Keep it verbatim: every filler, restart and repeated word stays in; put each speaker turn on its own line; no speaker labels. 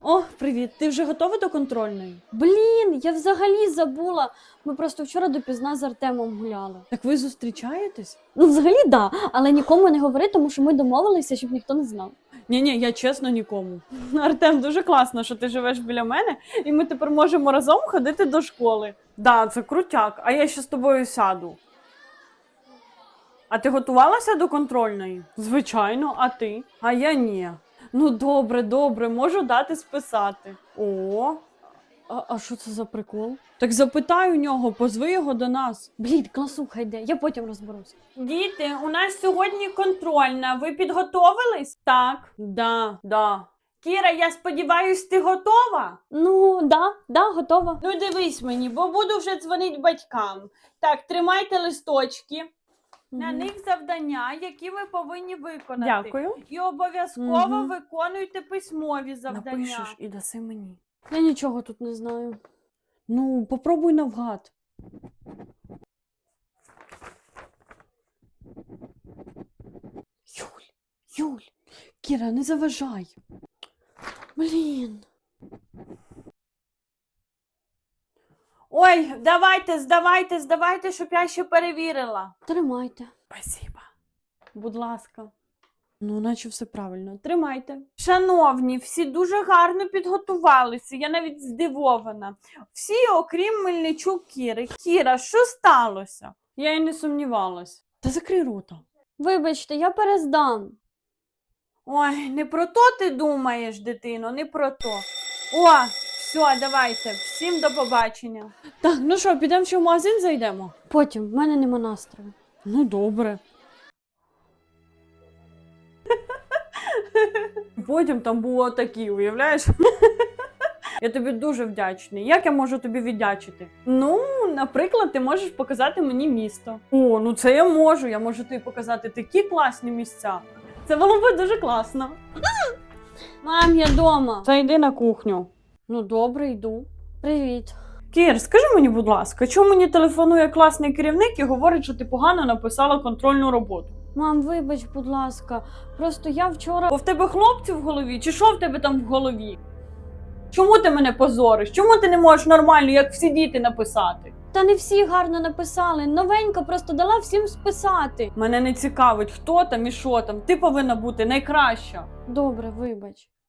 О, привіт. Ти вже готова до контрольної?
Блін, я взагалі забула. Ми просто вчора допізна з Артемом гуляли.
Так ви зустрічаєтесь?
Ну, взагалі, да, але нікому не говори, тому що ми домовилися, щоб ніхто не знав.
Ні-ні, я чесно нікому. Артем, дуже класно, що ти живеш біля мене, і ми тепер можемо разом ходити до школи. Да, це крутяк, а я ще з тобою сяду. А ти готувалася до контрольної? Звичайно, а ти? А я ні. Ну добре, добре, можу дати списати. О,
А, а що це за прикол?
так запитай у нього, позви його до нас.
Блін, класуха йде, я потім розберусь.
Діти, у нас сьогодні контрольна. Ви підготовились? Так, да, да. Кіра, я сподіваюсь, ти готова?
Ну, да, да, готова.
Ну дивись мені, бо буду вже дзвонити батькам. Так, тримайте листочки. На
Мгм.
них завдання, які ви повинні виконати.
Дякую.
І обов'язково
Мгм.
виконуйте письмові завдання.
Напишеш і даси мені.
Я нічого тут не знаю.
Ну, попробуй навгад.
Юль, Юль,
Кіра, не заважай.
блін.
Ой, давайте, здавайте, здавайте, щоб я ще перевірила.
Тримайте.
Спасибо.
Будь ласка. Ну, наче все правильно. Тримайте. Шановні, всі дуже гарно підготувалися. Я навіть здивована. Всі, окрім Мельничук Кіри. Кіра, що сталося? Я й не сумнівалась. Та закрий рота.
Вибачте, я перездам.
Ой, не про то ти думаєш, дитино, не про то. О, все, давайте. Всім до побачення. Так, ну що, підемо ще в магазин зайдемо?
Потім, в мене нема настрою.
Ну, добре. Потім там було такі, уявляєш? Я тобі дуже вдячний. Як я можу тобі віддячити? Ну, наприклад, ти можеш показати мені місто. О, ну це я можу. Я можу тобі показати такі класні місця. Це було б дуже класно.
Мам, я дома.
Зайди на кухню.
Ну, добре, йду. Привіт.
Кір, скажи мені, будь ласка, чому мені телефонує класний керівник і говорить, що ти погано написала контрольну роботу?
Мам, вибач, будь ласка. Просто я вчора.
Бо в тебе хлопці в голові, чи що в тебе там в голові? Чому ти мене позориш? Чому ти не можеш нормально, як всі діти, написати?
Та не всі гарно написали. Новенька просто дала всім списати.
Мене не цікавить, хто там і що там. Ти повинна бути найкраща.
Добре, вибач.